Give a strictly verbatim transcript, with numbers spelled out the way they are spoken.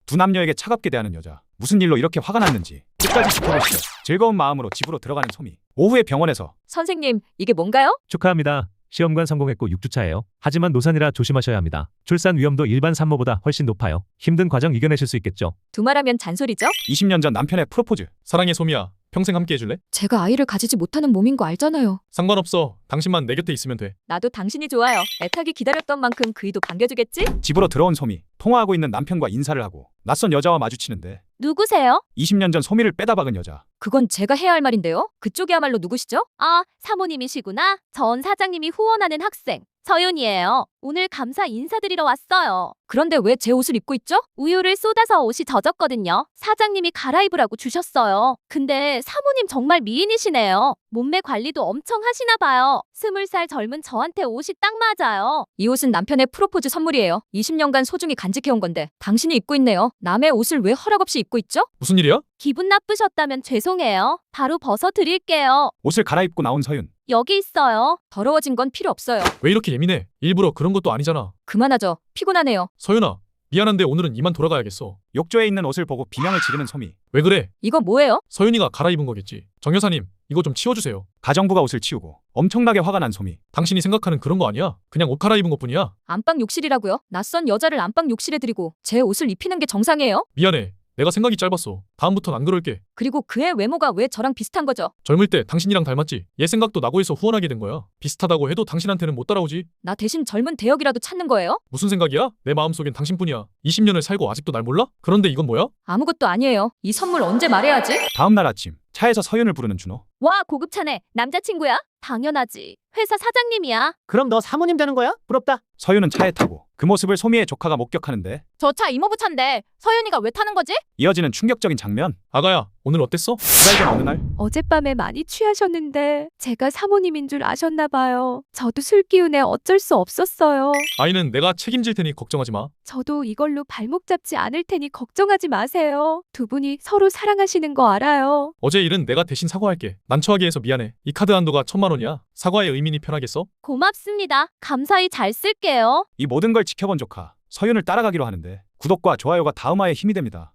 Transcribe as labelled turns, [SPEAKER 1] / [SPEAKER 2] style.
[SPEAKER 1] 두 남녀에게 차갑게 대하는 여자. 무슨 일로 이렇게 화가 났는지 끝까지 지켜보시죠. 즐거운 마음으로 집으로 들어가는 소미. 오후에 병원에서
[SPEAKER 2] 선생님, 이게 뭔가요?
[SPEAKER 3] 축하합니다. 시험관 성공했고 육 주차예요. 하지만 노산이라 조심하셔야 합니다. 출산 위험도 일반 산모보다 훨씬 높아요. 힘든 과정 이겨내실 수 있겠죠?
[SPEAKER 2] 두말하면 잔소리죠?
[SPEAKER 1] 이십 년 전 남편의 프로포즈.
[SPEAKER 4] 사랑해 소미야. 평생 함께 해줄래?
[SPEAKER 2] 제가 아이를 가지지 못하는 몸인 거 알잖아요.
[SPEAKER 4] 상관없어. 당신만 내 곁에 있으면 돼.
[SPEAKER 2] 나도 당신이 좋아요. 애타게 기다렸던 만큼 그이도 반겨주겠지?
[SPEAKER 1] 집으로 들어온 소미. 통화하고 있는 남편과 인사를 하고 낯선 여자와 마주치는데
[SPEAKER 2] 누구세요?
[SPEAKER 1] 이십 년 전 소미를 빼다 박은 여자.
[SPEAKER 2] 그건 제가 해야 할 말인데요. 그쪽이야말로 누구시죠? 아, 사모님이시구나. 전 사장님이 후원하는 학생 서윤이에요. 오늘 감사 인사드리러 왔어요. 그런데 왜 제 옷을 입고 있죠? 우유를 쏟아서 옷이 젖었거든요. 사장님이 갈아입으라고 주셨어요. 근데 사모님 정말 미인이시네요. 몸매 관리도 엄청 하시나 봐요. 스물 살 젊은 저한테 옷이 딱 맞아요. 이 옷은 남편의 프로포즈 선물이에요. 이십 년간 소중히 간직해온 건데 당신이 입고 있네요. 남의 옷을 왜 허락 없이 입고 있죠?
[SPEAKER 4] 무슨 일이야?
[SPEAKER 2] 기분 나쁘셨다면 죄송해요. 바로 벗어 드릴게요.
[SPEAKER 1] 옷을 갈아입고 나온 서윤.
[SPEAKER 2] 여기 있어요. 더러워진 건 필요 없어요.
[SPEAKER 4] 왜 이렇게 예민해? 일부러 그런 것도 아니잖아.
[SPEAKER 2] 그만하죠. 피곤하네요.
[SPEAKER 4] 서윤아, 미안한데 오늘은 이만 돌아가야겠어.
[SPEAKER 1] 욕조에 있는 옷을 보고 비명을 지르는 소미.
[SPEAKER 4] 왜 그래?
[SPEAKER 2] 이거 뭐예요?
[SPEAKER 4] 서윤이가 갈아입은 거겠지. 정 여사님, 이거 좀 치워주세요.
[SPEAKER 1] 가정부가 옷을 치우고 엄청나게 화가 난 소미.
[SPEAKER 4] 당신이 생각하는 그런 거 아니야. 그냥 옷 갈아입은 것뿐이야.
[SPEAKER 2] 안방 욕실이라고요? 낯선 여자를 안방 욕실에 들이고 제 옷을 입히는 게 정상이에요?
[SPEAKER 4] 미안해. 내가 생각이 짧았어. 다음부턴 안 그럴게.
[SPEAKER 2] 그리고 그의 외모가 왜 저랑 비슷한 거죠?
[SPEAKER 4] 젊을 때 당신이랑 닮았지. 얘 생각도 나고 해서 후원하게 된 거야. 비슷하다고 해도 당신한테는 못 따라오지.
[SPEAKER 2] 나 대신 젊은 대역이라도 찾는 거예요?
[SPEAKER 4] 무슨 생각이야? 내 마음속엔 당신뿐이야. 이십 년을 살고 아직도 날 몰라? 그런데 이건 뭐야?
[SPEAKER 2] 아무것도 아니에요. 이 선물 언제 말해야지?
[SPEAKER 1] 다음 날 아침 차에서 서윤을 부르는 준호.
[SPEAKER 2] 와, 고급차네. 남자친구야? 당연하지. 회사 사장님이야.
[SPEAKER 5] 그럼 너 사모님 되는 거야? 부럽다.
[SPEAKER 1] 서윤은 차에 타고 그 모습을 소미의 조카가 목격하는데
[SPEAKER 2] 저 차 이모부 차인데 서윤이가 왜 타는 거지?
[SPEAKER 1] 이어지는 충격적인 장면.
[SPEAKER 4] 아가야, 오늘 어땠어?
[SPEAKER 1] 두 달 전 어느 날
[SPEAKER 6] 어젯밤에 많이 취하셨는데 제가 사모님인 줄 아셨나 봐요. 저도 술 기운에 어쩔 수 없었어요.
[SPEAKER 4] 아이는 내가 책임질 테니 걱정하지 마.
[SPEAKER 6] 저도 이걸로 발목 잡지 않을 테니 걱정하지 마세요. 두 분이 서로 사랑하시는 거 알아요.
[SPEAKER 4] 어제 일은 내가 대신 사과할게. 난처하게 해서 미안해. 이 카드 한도가 천만 원이야. 사과의 의미니 편하겠어?
[SPEAKER 2] 고맙습니다. 감사히 잘 쓸게요.
[SPEAKER 1] 이 모든 걸 지켜본 조카 서윤을 따라가기로 하는데 구독과 좋아요가 다음화에 힘이 됩니다.